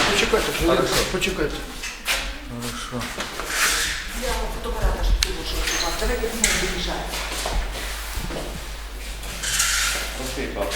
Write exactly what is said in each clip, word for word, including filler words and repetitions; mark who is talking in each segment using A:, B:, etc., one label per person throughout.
A: Почекайте, Хорошо. Почекайте.
B: Хорошо.
C: Я фотоапарата ж тут лучше висувати. Давайте знову виїжджаємо.
D: Окей, так.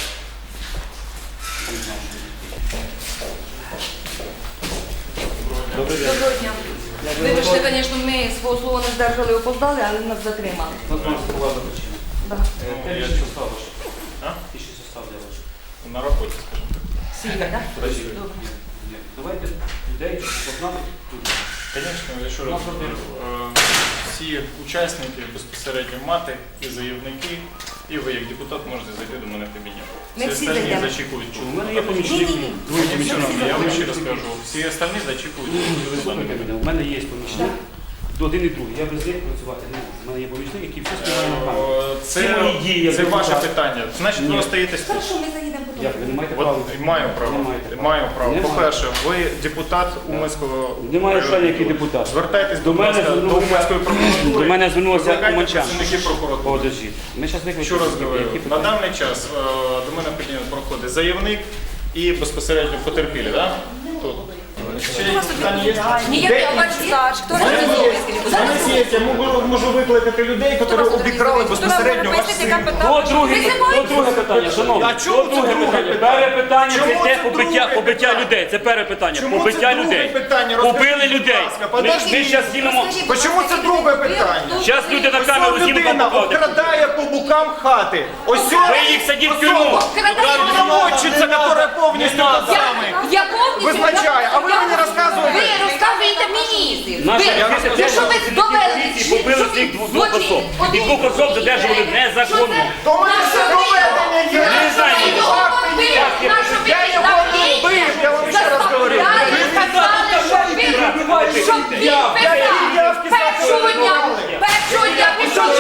D: Добрий день.
C: Доброго дня. Вибачте, звісно, ми свого слова не здержали, опоздали, але нас затримали.
D: Вот у нас была причина.
C: Да.
D: Ну, я что состав ваш?
B: А?
D: Тысяча состав для ваш.
B: На роботі, скажімо так.
C: Сіля, так?
D: Подожди.
C: Добре.
D: Нет, нет. Давайте людей, щоб познали тут.
B: Звісно, я ще раз говорю, е, всі учасники безпосередньо мати і заявники, і ви як депутат можете зайти до мене в кабінет.
C: Ми
B: Всі
C: всі
B: остальні
C: зайдемо.
B: зачекують.
D: У мене є помічник.
C: Ні-ні-ні.
D: Двоє
B: Ні,
D: помічників.
B: я вам ще раз кажу, всі остальні зачекують.
D: Слухайте мене, у мене є помічник. До один і другий. Я без них працювати не можу. У мене є помічник, який все співає на камеру.
B: Е,
D: Всі мої дії,
B: Це,
D: як
B: це ваше
D: депутат.
B: питання. Значить, ви
D: Ні.
B: остаєтесь тут.
C: Хорошо, ми заїдемо потім.
D: Як ви не маєте права?
B: От, маю право.
D: Не маєте права.
B: Маю право.
D: Немає.
B: По-перше, ви депутат Уманського.
D: Немає
B: району.
D: питання, який депутат.
B: Звертайтесь
D: До
B: до
D: мене
B: мене до
D: звернувся-
B: Уманської прокуратури.
D: До мене звернулися
B: Викликайте
D: уманчан.
B: працівників прокуратури.
D: Подождіть. Ми зараз викликаємо.
B: Ще раз говорю,
D: Які
B: на
D: питання?
B: даний час е, до мене в кабінет проходить заявник і безпосередньо потерпілі, так? Тут. Ще якісь питання є?
C: Ніяк я ваш стаж. Хто
B: У мене є-
C: організовує?
B: у мене є, я можу, можу викликати людей, які обікрали безпосередньо ваш син.
D: То друге, то друге питання, шановні.
B: А чому
D: То
B: це
D: друге
B: друге
D: питання?
B: питання?
D: Перше питання це
B: Чому
D: те
B: це
D: побиття,
B: друге
D: побиття
B: питання?
D: людей. Це перше питання.
B: Чому
D: Побиття
B: це друге
D: людей.
B: питання?
D: Побили
B: Розкажіть, будь
D: людей.
B: ласка,
D: Ми,
B: подождіть.
D: ми зараз знімемо.
B: Чому це друге питання?
D: Зараз люди на камеру
B: Ось
D: знімуть
B: людина
D: покладуть.
B: обкрадає по бокам хати. Ось
D: Ви їх садіть в тюрму.
B: Наводчиця, яка повністю над вами
E: Я повністю
B: визначає. А ви мені розказуєте?
E: Ви розказуєте мені.
D: Наша
E: Ви-
D: поліція
E: ви
D: теж
E: що ви
D: працівники
E: довели?
D: поліції побили
E: Що
D: цих
E: ви
D: двох двох
E: злочин?
D: особ. І двох особ задержували незаконно.
B: То мене все проведення є.
D: Не знаю.
E: Ви його побили, нашу ви
B: Я його не вбив, я вам ще раз говорю.
E: заставляли, сказали, що ви, що він писав. Першого дня, першого дня пішов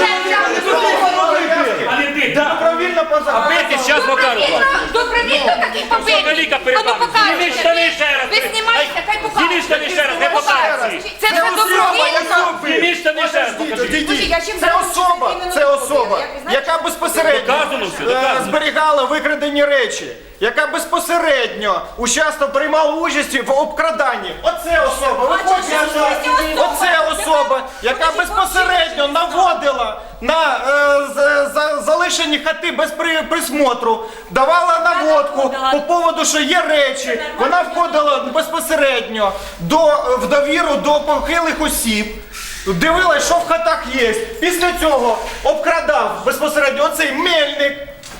D: А не ти,
B: Добровільно
D: А
B: поза.
D: бити зараз покажу.
E: Добровільно таких
D: Взагалі
E: побитих. А ну
D: передав. Зніміть штани
E: покажете.
D: ще раз.
E: Ви знімаєте, хай
D: Зніміть штани ще раз, не
E: покажете.
D: покажете.
E: Це все добровільно.
D: Зніміть штани ще раз, покажіть.
E: Слухай, я чим
B: Це
E: зараз
B: особа,
E: іменно
B: це
E: побила?
B: особа,
E: Як ви знаєте,
B: яка безпосередньо
D: Доказано все,
B: е,
D: доказано.
B: зберігала викрадені речі, яка безпосередньо учасно приймала участь в обкраданні. Оце особа, ви
E: А
B: хочете
E: чому
B: знати?
E: це особа?
B: Оце особа, яка безпосередньо наводила на е, з- за- залишені хати без при- присмотру, давала наводку по поводу, що є речі. Вона входила безпосередньо до, в довіру до похилих осіб. Дивилась, що в хатах є. Після цього обкрадав безпосередньо оцей мельник.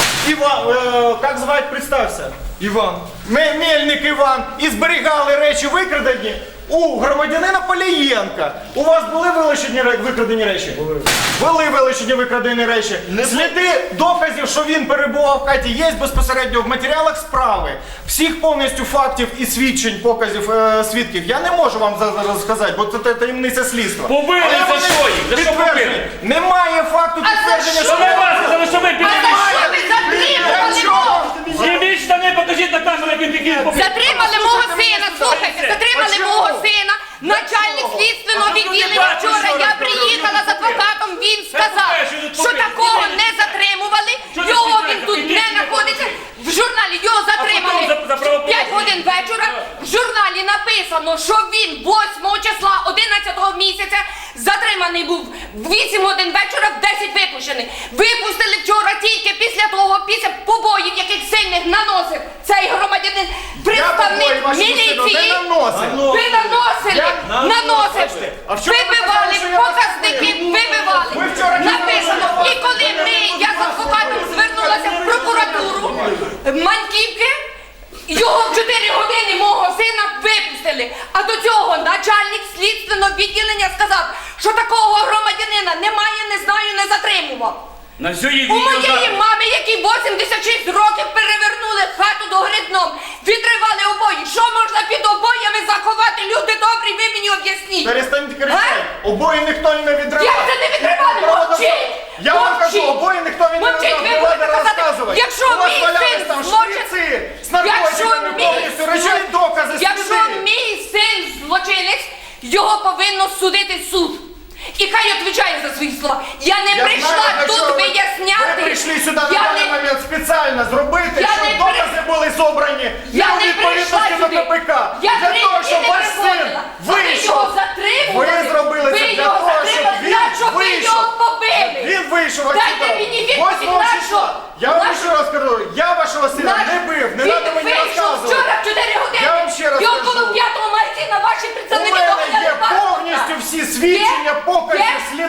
B: Іван, е, як звати, представся? Іван. Ме- Мельник Іван. І зберігали речі викрадені у громадянина Полієнка. У вас були вилучені ре- викрадені речі? Були. Були вилучені викрадені речі. Сліди доказів, що він перебував в хаті, є безпосередньо в матеріалах справи. Всіх повністю фактів і свідчень, показів е, свідків я не можу вам за- зараз сказати, бо це та- таємниця слідства.
D: Побили
B: Але
D: за
B: вони
D: що їх? За що
B: підтверджені.
D: побили?
B: Немає факту
E: А за
B: підтвердження,
E: що?
D: Що ви вас, за що ви
E: А
D: били?
E: за що ви затримали мого?
D: Зніміть штани, покажіть на камеру, як він такий побив.
E: Затримали мого сина, слухайте, затримали
B: А чому?
E: мого сина. Начальник
D: А
E: слідственного
D: що ти
E: відділення
D: бачиш,
E: вчора,
D: що
E: я
D: робив?
E: приїхала з адвокатом, він сказав,
D: покажи, що
E: що
D: тут
E: такого
D: побив.
E: не затримували,
D: Що ти
E: його
D: спеціально?
E: він тут
D: Піди
E: не
D: сюди,
E: знаходиться. В журналі його затримали
D: потім за- за правопорушення.
E: п'ять годин вечора. В журналі написано, що він восьмого числа одинадцятого місяця затриманий був в вісім годин вечора, в десять випущений. Випустили вчора тільки після того, після побоїв, яких сильних наносив цей громадянин, представник
B: побої вашому сину
E: міліції.
B: не наносив.
E: Ви наносили,
B: Я-
E: наносив,
B: А в чому ви
E: вибивали,
B: казали, що я
E: показники вибивали.
B: Ви вчора
E: Написано.
B: казали,
E: І коли ми, я з адвокатом звернулася в прокуратуру Маньківки, його в чотири години мого сина випустили. А до цього начальник слідственного відділення сказав, що такого громадянина немає, не знаю, не затримував.
D: На все є
E: У
D: відео.
E: моєї мами, які вісімдесят шість років перевернули хату до грибном, відривали обої. Що можна під обоями заховати? Люди добрі, ви мені об'ясніть.
B: Перестаньте кричати. Обої ніхто не відривав.
E: Як це не відривали? Мовчіть!
B: Я вам
E: Мовчіть!
B: кажу, обої ніхто не
E: Мовчіть, ви
B: відривав.
E: будете
B: Не
E: казати,
B: розказувати.
E: якщо
B: У вас
E: мій
B: валялись
E: син
B: там
E: злочин-
B: шприці з
E: Якщо
B: наркотиками
E: мій
B: повністю, речові
E: зло-
B: докази,
E: Якщо
B: сліди.
E: мій син злочинець, його повинно судити суд. І хай відповідає за свої слова. Я не
B: Я
E: прийшла
B: знаю, для
E: тут
B: чого ви-
E: виясняти.
B: Ви прийшли сюди на
E: Я
B: даний
E: не-
B: момент спеціально зробити,
E: Я
B: щоб
E: не при-
B: докази були зобрані
E: Я
B: не у
E: не
B: відповідності
E: прийшла
B: до
E: сюди.
B: КПК.
E: Я
B: Для
E: прийшла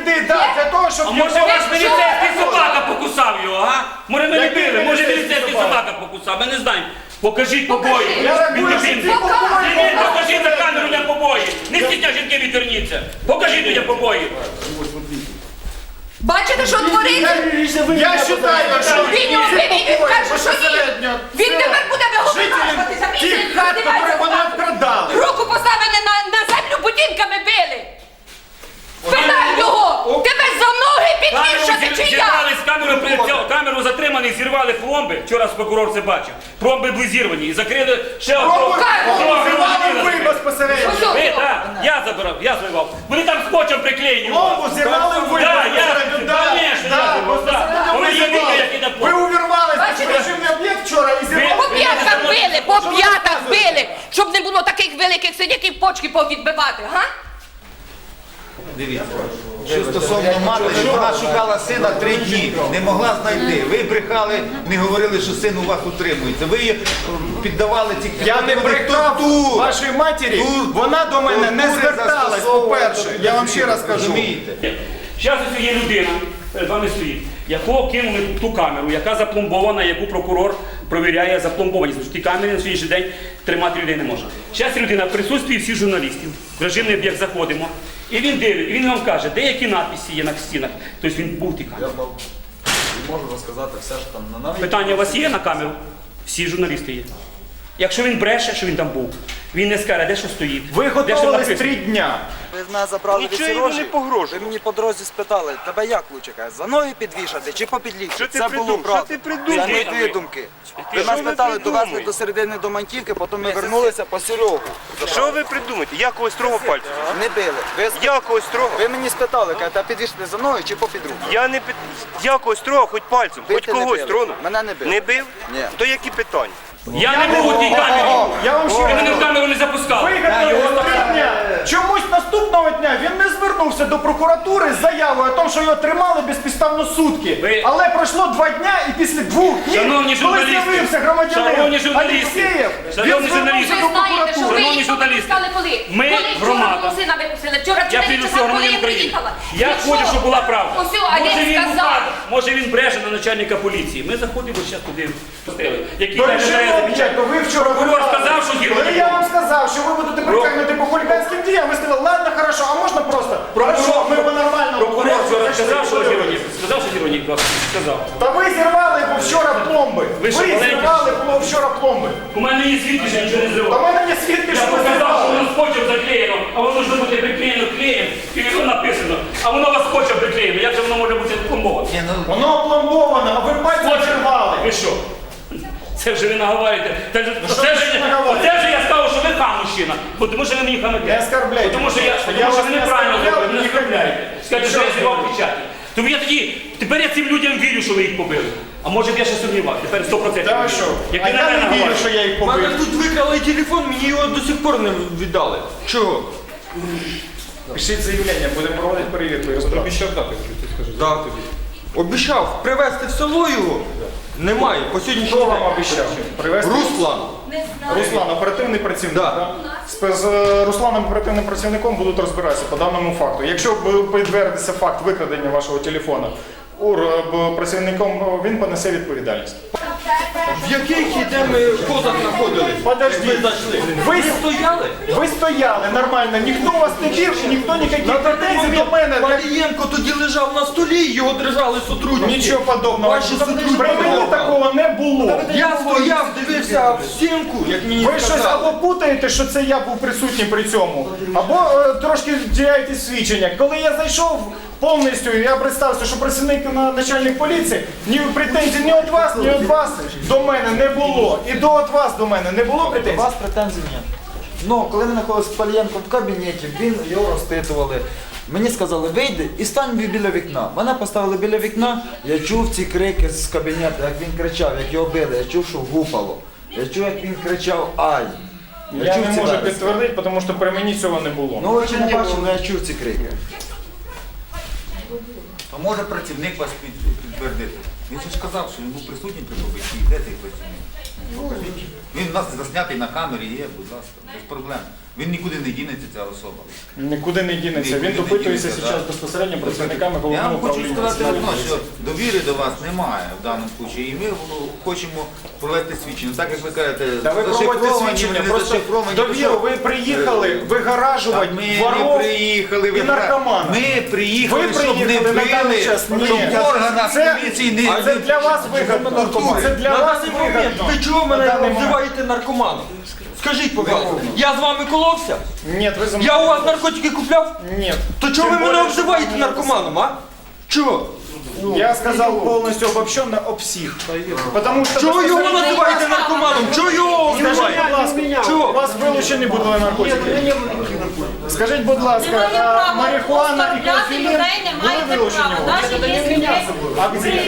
B: сліди, да, для того, щоб...
D: А може
B: його-
D: ваш міліцейський собака покусав його, а? Може ми не
B: Який
D: били, може
B: міліцейський
D: міліцейський
B: собака?
D: собака покусав, ми не знаємо. Покажіть побої.
B: Я рахую,
D: Від
B: що ці
D: дитини.
B: побої-
D: Ні, ні, покажіть на камеру людям побої. Не стітня жінки відверніться. Покажіть людям побої.
E: Бачите, що твориться?
B: Я вважаю, що
E: Він його бив, і він каже, що ні.
B: безпосередньо
E: Він
B: це
E: тепер буде
B: жителі
E: виголошуватися.
B: тих хат, які вони обкрадали.
E: Руку поставили на, на землю, будинками били. Питай його! Тебе за ноги підвішати
D: Камеру
E: чи
D: зір-
E: я?
D: зірвали з камеру, при- камеру затриманий, зірвали пломби. Вчора прокурор це бачив. Пломби були зірвані і закрили ще одного.
B: Зірвали ви безпосередньо.
E: Ось, ось.
D: Ви, так, я забирав, я зривав. Вони там скотчем приклеєні.
B: Пломбу зірвали ви
D: Да, я,
B: безпосередньо, да,
D: конечно,
B: да,
D: я зривав, да.
B: безпосередньо
D: Ви
B: ви
D: їдете,
B: зірвали.
D: як іде
B: Ви
D: пломба.
B: увірвались в
E: Бачите?
B: режимний об'єкт вчора і зірвали.
E: По п'ятках били, по п'ятках били, щоб не було таких великих сидяків почки повідбивати, га?
F: Дивіться, що стосовно матері, вона шукала сина три дні, не могла знайти. Ви брехали, не говорили, що син у вас утримується. Ви її піддавали ці
B: Я не брехав
F: Тур.
B: вашій матері,
F: Тур.
B: вона до мене не
F: Тортури
B: зверталась,
F: застосовували
B: по-перше. Я вам ще раз кажу.
F: Розумієте?
D: Зараз ось є людина, перед вами стоїть, якого кинули ту камеру, яка запломбована, яку прокурор провіряє запломбованість. Тому що ті камери на сьогоднішній день тримати людей не можна. Зараз людина в присутстві всіх журналістів, в режимний об'єкт заходимо, і він дивить, і він вам каже, деякі надписи є на стінах. Тобто він був в тій камері.
G: Можу розказати все, що там на навіть.
D: Питання у вас є на камеру? Всі журналісти є. Якщо він бреше, що він там був, він не скаже, де що стоїть.
B: Ви
D: де що
B: готувались
D: написано.
B: три дня.
G: Ви мене забрали від
H: Нічого йому не
G: Сірожі,
H: погрожував.
G: ви мені по дорозі спитали, тебе як лучше каже, за ноги підвішати чи по підлікті?
H: Що ти
G: Це
H: придумав?
G: було
H: Що
G: правда.
H: ти придумав?
G: Це не
D: Ти-
G: видумки.
D: ти-
G: Ви
H: що
G: нас
H: ви
G: питали, довезли
H: придумуєте?
G: до середини до Маньківки, потім ми вернулися по Серегу.
H: Що ви придумаєте? Я когось трогав пальцем?
G: Не били. Ви, сп-
H: Я когось трогав?
G: ви мені спитали, кажете, підвішати за ноги чи по підруку?
H: Я не пи- Я когось трогав, хоч пальцем, хоч
G: Бити не
H: когось
G: били.
H: тронув.
G: Мене не били.
H: Не бив?
G: Ні.
H: То які питання?
D: Я не був у тій камері.
B: Я вам ще
D: Ви
B: раз
D: мене в
B: кажу.
D: камеру не запускав.
B: Вигадали три дня. Чомусь наступного дня він не звернувся до прокуратури з заявою о тому, що його тримали безпідставно сутки.
D: Ви-
B: Але пройшло два дня і після двох днів,
D: Шановні
B: коли
D: журналісти,
B: з'явився громадянин
D: шановні журналісти,
B: Алєксєєв,
D: шановні
B: він
D: журналісти,
B: звернувся
E: Ви
B: до
E: знаєте, що ви
B: прокуратури.
D: Шановні
E: їх
D: журналісти,
E: пропускали коли?
D: ми,
E: Коли вчора
D: громада.
E: мого сина випустили. Вчора в
D: Я
E: чотири
D: піду
E: часа,
D: всього
E: коли
D: громадян
E: я
D: України.
E: приїхала.
D: Я
E: Він
D: хочу,
E: що?
D: щоб була правда.
E: Ось, а
D: Може
E: він
D: він,
E: сказав.
D: упаде, може він бреше на начальника поліції. Ми заходимо зараз туди, постріли. Який
B: До
D: там
B: режимного
D: грає
B: об'єкту ви вчора
D: Прокурор
B: вибрали.
D: сказав, що гірко
B: Коли
D: не
B: я
D: було.
B: вам сказав, що ви будете притягнути по хуліганським діям, ви сказали, ладно, хорошо, а можна просто? Хорошо, ми по нормальному
D: Прокурор
B: порядку
D: вчора
B: зайшли,
D: сказав, що
B: подивились.
D: Гіронік. Сказав, що Гіронік вас сказав.
B: Та ви зірвали бо вчора пломби.
D: Ви
B: Ви
D: що, маленькі?
B: зірвали було вчора пломби.
D: У мене є свідки, що я нічого не
B: Та в
D: зривав.
B: мене є свідки,
D: Я
B: що ви
D: показав, що
B: зірвали.
D: воно скотчем заклеєно, а воно ж бути приклеєно клеєм, і воно написано. А воно у вас скотчем приклеєно. Як же воно може бути пломбоване?
F: Ні, ну,
B: Воно опломбовано, а ви пальцем зірвали.
D: Ви що? Це вже ви наговорюєте. Це, ж-
B: що
D: це,
B: ви
D: ж-
B: наговорюєте?
D: це ж я сказав, що ви хам мужчина. Бо тому що ви мені хамите.
B: Не оскорбляйте.
D: Тому що я,
B: Я
D: тому, що
B: вас
D: ви
B: не
D: неправильно
B: оскорбляв,
D: зробили, не
B: не
D: оскорбляєте. Скажете, що я
B: Що ви
D: зірвав
B: робите?
D: печатки. Тому я тоді, тепер я цим людям вірю, що ви їх побили. А може я ще сумнівався, тепер сто відсотків.
B: Та ви що?
D: Як
B: А
D: ви на
B: я
D: мене
B: не вірю,
D: говорите.
B: що я їх
I: У мене
B: побив.
I: тут викрали телефон, мені його до сих пор не віддали. Чого?
B: Пишіть заявлення, будемо проводити перевірку і розбиратися.
I: Обіцяв дати, що ти скажеш. Да, тобі. Обіцяв привезти в село його. Немає. По сьогоднішній
B: Хто вам
I: день.
B: обіцяв? Привезти?
I: Руслан.
B: Руслан, оперативний працівник.
I: Да.
B: так? З з, е, Русланом, оперативним працівником, будуть розбиратися по даному факту. Якщо б підтвердиться факт викрадення вашого телефона ур, е, б- працівником, е, він понесе відповідальність.
I: В яких іде ми позах знаходились?
B: Подожди.
I: Ви зайшли.
B: Ви-
I: Ви стояли?
B: Ви стояли нормально, ніхто вас не бив, і ніхто ніяких претензій до мене.
I: Валієнко тоді лежав на столі, його держали сотрудники.
B: Нічого подобного.
I: Ваші сотрудники.
B: При мені такого не було.
I: Я стояв, дивився в стінку, як мені
B: Ви щось
I: сказали.
B: або путаєте, що це я був присутній при цьому, або е, трошки діляєте свідчення. Коли я зайшов повністю, я представився, що працівник на начальник поліції, ні претензій ні від вас, ні від вас до мене не було. І до від вас до мене не було
G: До
B: претензій.
G: вас претензій ні. Ну, коли ми знаходилися з Палієнком в кабінеті, він його розпитували. Мені сказали, вийди і стань біля вікна. Мене поставили біля вікна, я чув ці крики з кабінету, як він кричав, як його били, я чув, що гупало. Я чув, як він кричав ай.
B: Я
G: чув
B: не
G: ці
B: можу
G: вересні.
B: підтвердити, тому що при мені цього не було.
G: Ну, очі не бачив, але я чув ці крики.
F: а може працівник вас під- підтвердити? Він же ж казав, що він був присутній при побитті. Де цей працівник? Покажіть. Він у нас заснятий на камері є, будь ласка, без проблем. Він нікуди не дінеться, ця особа.
B: Нікуди не дінеться.
F: Нікуди
B: Він
F: не
B: допитується
F: дінеться,
B: зараз
F: да.
B: безпосередньо працівниками
F: Я
B: головного
F: вам хочу
B: управління.
F: сказати
B: Національної
F: одно, що
B: поліції.
F: довіри до вас немає в даному випадку. І ми хочемо провести свідчення. Так як ви кажете,
B: Та ви проводите
F: зашифровані,
B: свідчення,
F: не
B: просто
F: зашифровані.
B: довіру, ви приїхали вигаражувати
F: Ми не
B: воров
F: приїхали
B: і
F: вигра-
B: наркоманів.
F: Ми приїхали,
B: Ви
F: щоб не
B: приїхали на даний
F: били,
B: час. Ні.
F: щоб в органах
B: Це-
F: поліції не...
B: А це для вас вигідно. Це для
I: На
B: вас
I: даний момент
B: вигідно.
I: ви чого
B: На
I: мене
B: даний момент.
I: називаєте наркоманом? Скажіть, пожалуйста, я з вами коловся?
B: Ні, ви за
I: Я у вас наркотики купляв?
B: Ні.
I: То чого ви
B: Тим
I: мене
B: більше,
I: обзиваєте наркоманом, а? Чого?
B: Я сказав повністю обобщенно об всіх. Потому що
I: Чого його
B: безпосередньо-
I: називаєте наркоманом? Чого його
B: Скажіть, будь
I: обзиваєте?
B: ласка, у
I: Чого?
B: вас вилучені були наркотики? Скажіть, будь ласка,
J: Немає
B: а
J: права
B: марихуана і
J: оскорбляти
B: кофеїн
J: людей, не
B: були
J: маєте
B: вилучені
J: права.
B: у вас?
J: Навіть якщо
B: А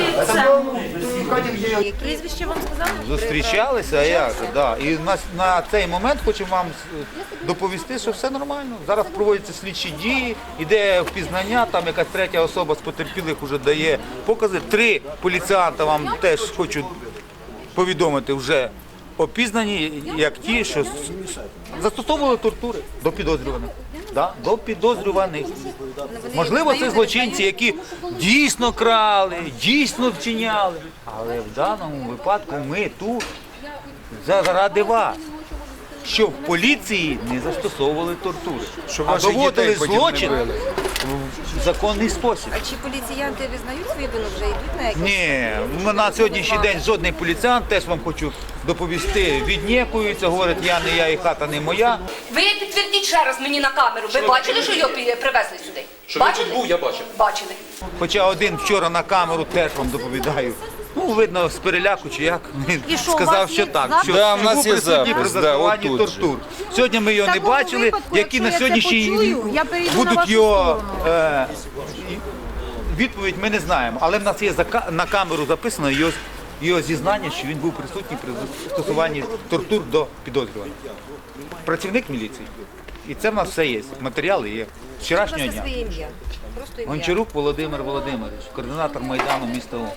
B: где?
J: прізвище вам сказали?
F: Зустрічалися, а як же, да. І на, на цей момент хочемо вам е, доповісти, що все нормально. Зараз проводяться слідчі дії, іде впізнання, там якась третя особа з потерпілих вже дає покази. Три поліціянта вам теж хочу повідомити вже опізнані, як ті, що с- с- застосовували тортури до підозрюваних. Да? До підозрюваних. Можливо, це злочинці, які дійсно крали, дійсно вчиняли. Але в даному випадку ми тут заради вас, щоб в поліції не застосовували тортури, а доводили злочин в законний спосіб.
C: А чи поліціянти визнають свою вину, вже йдуть на якісь?
F: Ні, ми на сьогоднішній день жодний поліціянт, теж вам хочу доповісти, віднікується, говорить, я не я і хата не моя.
E: Ви підтвердіть ще раз мені на камеру. Ви бачили, що його пі- привезли сюди? Бачили?
I: був, я бачив.
E: Бачили.
F: Хоча один вчора на камеру теж вам доповідаю. Ну, видно, з переляку чи як, він
J: І що, у
F: сказав,
J: вас
F: що
J: є
F: так,
J: запис?
F: що
G: Да, в нас
F: був
G: є
F: присутній при
G: запис, да,
F: застосуванні
G: отут же.
F: тортур. Сьогодні ми його не
J: такому
F: бачили,
J: випадку,
F: які
J: якщо
F: на
J: я це
F: сьогоднішній
J: почую, я перейду на
F: будуть
J: вашу
F: його
J: сторону.
F: е, відповідь ми не знаємо. Але в нас є зака- на камеру записано його, його зізнання, що він був присутній при застосуванні тортур до підозрюваного. Працівник міліції. І це в нас все є. Матеріали є. З вчорашнього
C: Просто
F: дня.
C: своє ім'я. Просто ім'я.
F: Гончарук Володимир Володимирович, координатор Майдану міста Умань.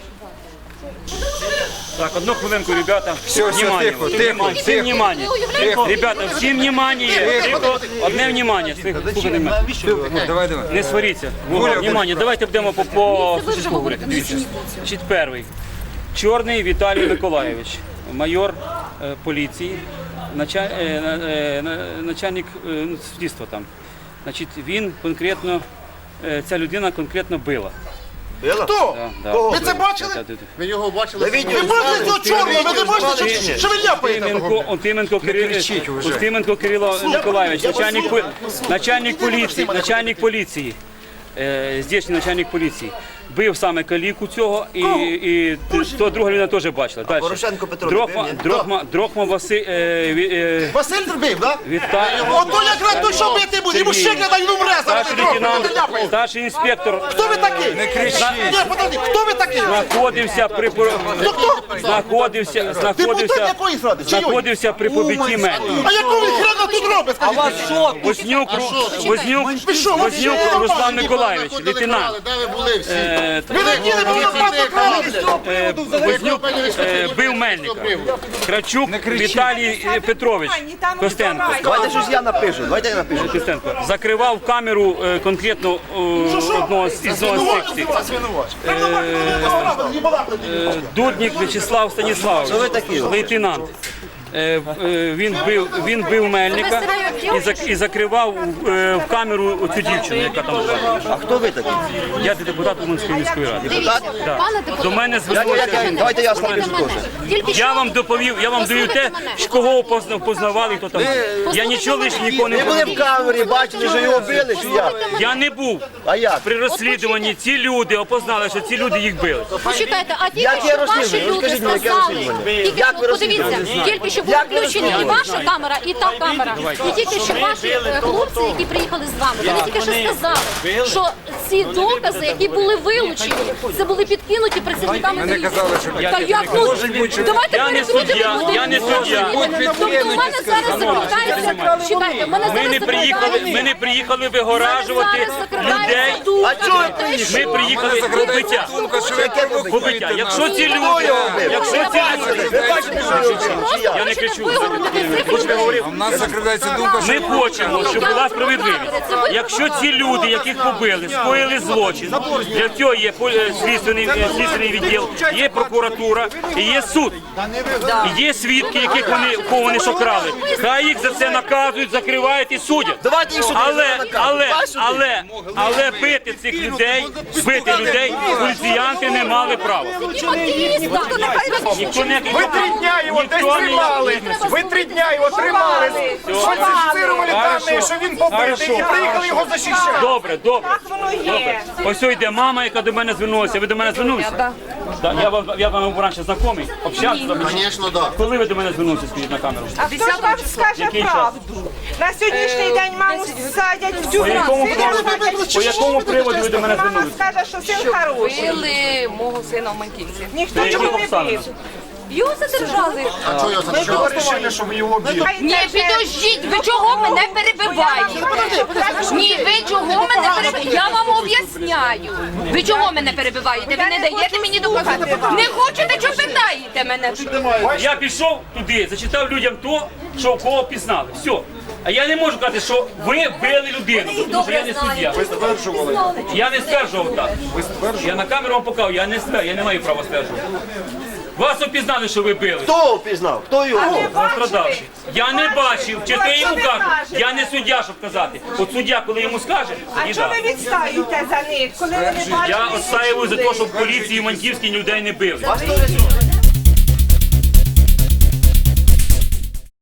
D: Так, одну хвилинку, ребята.
G: Все, все,
D: Внимание,
G: тихо,
D: всім
G: тихо,
D: внимание, всім
G: тихо.
D: внимание. Ребята, всім внимание. Тихо. Одне внимание. Слухайте мене.
F: Навіщо ви?
G: Давай, давай.
D: Не сваріться. Внимание, давайте будемо по, по сусідству говорити. Дивіться. Значить, перший. Чорний Віталій Миколайович, майор е, поліції, началь, е, на- е, на- начальник е, ну, слідства там. Значить, він конкретно, е, ця людина конкретно била.
A: Хто?
D: Да, да.
A: Ви це бачили?
D: Да, да, да.
A: Ви його бачили? Ви бачите цього чорного? Ви не бачите, що- що ви ляпаєте?
D: Устименко, Устименко, Кирило, Устименко Кирило Миколаївич, начальник, по- начальник поліції, начальник поліції, е, здійснює начальник поліції. Бив саме каліку цього, і, і то друга людина теж бачила. Далі.
A: Порошенко Петро
D: Дрохма,
A: бив, ні?
D: Дрохма, Дрохма Василь, е, ві- е,
A: Василь зробив, так?
D: Віталій.
A: Ото якраз той, що бити буде, йому ще глядай, він умре, зараз
D: Старший
A: ви трохи,
D: лейтенант,
A: ви ляпаєте.
D: старший інспектор
A: Хто ви такий? Не кричіть. Ні, подожди, хто ви такий?
D: знаходився при пор-
A: Ну хто?
D: знаходився,
A: Депутат
D: знаходився,
A: якої ради? Чийої?
D: знаходився при побитті мене.
A: А якого він хрена тут робить, скажіть? мені?
D: Вознюк, Ру- Вознюк,
A: Ви що, ви
D: Вознюк
A: що,
D: Руслан
A: ви
D: Миколаївич, лейтенант.
A: Де ви були всі?
D: Е,
A: Ви не діли, бо ви просто крали.
D: е, Вознюк е, бив Мельника. Кравчук Віталій е, Петрович Костенко.
A: Давайте щось я напишу, давайте я напишу.
D: Костенко закривав камеру е, конкретно е, одного з із одного з секцій. Е, Дудник В'ячеслав Станіславович, лейтенант. Е, е, Він бив, він бив Мельника і, зак- і закривав е, в камеру цю дівчину, яка там була.
A: А хто ви такий?
D: Я депутат Уманської міської ради.
J: Дивіться,
D: Да.
J: пане депутат,
D: До мене звернулися.
A: Давайте я
J: слухайте мене. Тільки
D: Я
J: що-
D: вам доповів, я вам даю те,
J: Послухайте
D: кого позна- познавали, хто там. був. Я
J: Послухайте
D: нічого
J: мене.
D: лише нікого не
A: Ви були
D: говорив.
A: в камері, бачили, що його били, чи як?
D: Я не був.
A: А як?
D: При розслідуванні ці люди опознали, що ці люди їх били.
J: Почекайте, а тільки
A: Яке
J: що ваші
A: розслідування?
J: люди
A: Розкажіть мені, яке
J: сказали,
A: розслідування?
J: тільки
A: Як
J: що,
A: ви
J: подивіться,
A: розслідуєте?
J: тільки що були
A: Як ви
J: включені і
A: розслідуєте?
J: ваша камера, і та камера. І тільки що ваші е, хлопці, які приїхали з вами, вони тільки що сказали, що ці докази, які були вилучені, це були підкинуті працівниками
G: Вони
J: поліції.
G: казали, що
J: Та як ну, давайте
D: Я не
J: перекрутимо
D: суддя,
J: людину.
D: я не суддя.
J: Тобто у мене зараз закривається, чекайте, у мене
D: Ми
J: зараз
D: не приїхали, ми не приїхали вигоражувати людей.
J: А чого ви
D: Ми приїхали побиття. Побиття. Якщо ці люди, якщо ці люди,
A: Ви бачите, що його били, чи як?
D: я не кричу. Хочете говорити?
F: У нас закривається думка,
D: Ми хочемо, щоб була справедливість. Якщо ці люди, яких побили, скоїли злочин, для цього є полі- слідственний, е, слідственний відділ, є прокуратура і є суд. І є свідки, яких вони, кого вони шокрали. Хай їх за це наказують, закривають і судять. Але, але, але, але бити цих людей, бити людей, поліціянти не мали права. Ніхто не
B: Ви три дня його десь тримали. Ви три дня його тримали. Фальсифікували дані, що він побитий, і приїхали його захищати.
D: Добре, добре. Добре. Ось ось йде мама, яка до мене звернулася. Ви до мене звернулися?
C: Так.
D: Да, я вам я вам був раніше знайомий, общався.
A: Звісно, так.
D: Коли ви до мене звернулися, скажіть на камеру?
K: А хто ж вам скаже
D: Який час?
K: правду? На сьогоднішній день маму садять в
D: По
K: тюрму.
D: якому
K: Сина
D: приводу,
K: садять в
D: по якому приводу ви до мене
K: Мама
D: звернулися?
K: скаже, що син хороший.
C: Били мого сина в Маньківці.
K: Ніхто
D: Яких
K: його не
D: обставин?
K: бив.
C: Його задержали.
A: А чого його задержали?
B: Вирішили, що ви його б'єте.
E: Ні, підождіть, ви чого мене перебиваєте? Ні, ви чого мене перебиваєте? Я вам об'ясняю. Ви чого мене перебиваєте? Ви не даєте мені доказати. Не хочете, що питаєте мене?
D: Я пішов туди, зачитав людям то, що кого пізнали. Все. А я не можу казати, що ви били людину, тому що я не суддя.
B: Ви стверджували.
D: Я не стверджував так. Я на камеру вам показав, я не стверджував, я не маю права стверджувати. Вас опізнали, що ви били.
A: Хто впізнав? Хто його?
D: Пострадавший. Я не бачив, чи ти йому кажеш. Я не суддя, щоб казати. От суддя, коли йому скаже,
K: А
D: тоді
K: чого
D: да.
K: ви відстаєте за них, коли вони бачать?
D: Я відстаюю за те, щоб в поліції Маньківській людей не били.
A: Вас теж